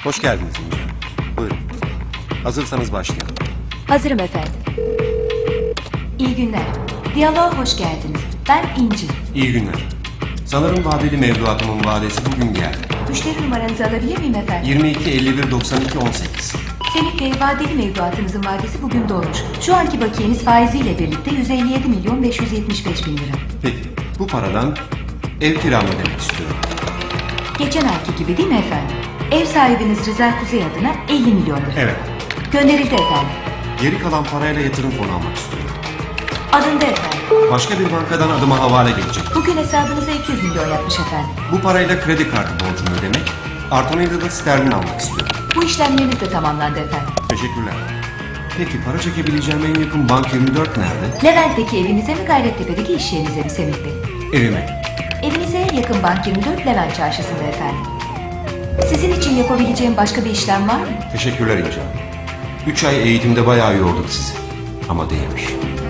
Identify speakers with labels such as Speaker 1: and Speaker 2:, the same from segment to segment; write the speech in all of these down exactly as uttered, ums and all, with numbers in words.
Speaker 1: Hoş geldiniz İnce. Buyurun. Hazırsanız başlayalım.
Speaker 2: Hazırım efendim. İyi günler. Diyaloğa hoş geldiniz. Ben İnci.
Speaker 1: İyi günler. Sanırım vadeli mevduatımın vadesi bugün geldi.
Speaker 2: Müşteri numaranızı alabilir miyim efendim?
Speaker 1: yirmi iki elli bir doksan iki on sekiz.
Speaker 2: Semih Bey, vadeli mevduatınızın vadesi bugün dolmuş. Şu anki bakiyeniz faiziyle birlikte yüz elli yedi milyon beş yüz yetmiş beş bin lira.
Speaker 1: Peki, bu paradan ev kiramı ödemek istiyorum.
Speaker 2: Geçen ayki gibi değil mi efendim? Ev sahibiniz Rıza Kuzey adına elli milyon lira.
Speaker 1: Evet.
Speaker 2: Gönderildi efendim.
Speaker 1: Geri kalan parayla yatırım fonu almak istiyorum.
Speaker 2: Alındı efendim.
Speaker 1: Başka bir bankadan adıma havale gelecek.
Speaker 2: Bugün hesabınıza iki yüz milyon yapmış efendim.
Speaker 1: Bu parayla kredi kartı borcumu ödemek, artanıyla da sterlin almak istiyorum.
Speaker 2: Bu işlemleriniz de tamamlandı efendim.
Speaker 1: Teşekkürler. Peki para çekebileceğim en yakın bank yirmi dört nerede?
Speaker 2: Levent'teki evinize mi, Gayrettepe'deki iş yerinize mi Semih Bey?
Speaker 1: Evime.
Speaker 2: Evinize en yakın bank yirmi dört Levent Çarşısı'nda efendim. Sizin için yapabileceğim başka bir işlem var mı?
Speaker 1: Teşekkürler İnce. Üç ay eğitimde bayağı yorduk sizi. Ama değmiş.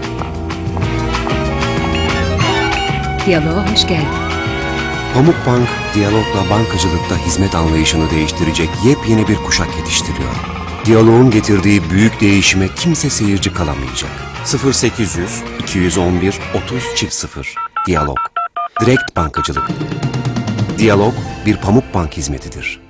Speaker 2: Diyaloğa hoş geldin.
Speaker 3: Pamukbank, diyalogla bankacılıkta hizmet anlayışını değiştirecek yepyeni bir kuşak yetiştiriyor. Diyaloğun getirdiği büyük değişime kimse seyirci kalamayacak. sıfır sekiz yüz iki yüz on bir otuz çift sıfır Diyalog. Direkt bankacılık. Diyalog bir Pamukbank hizmetidir.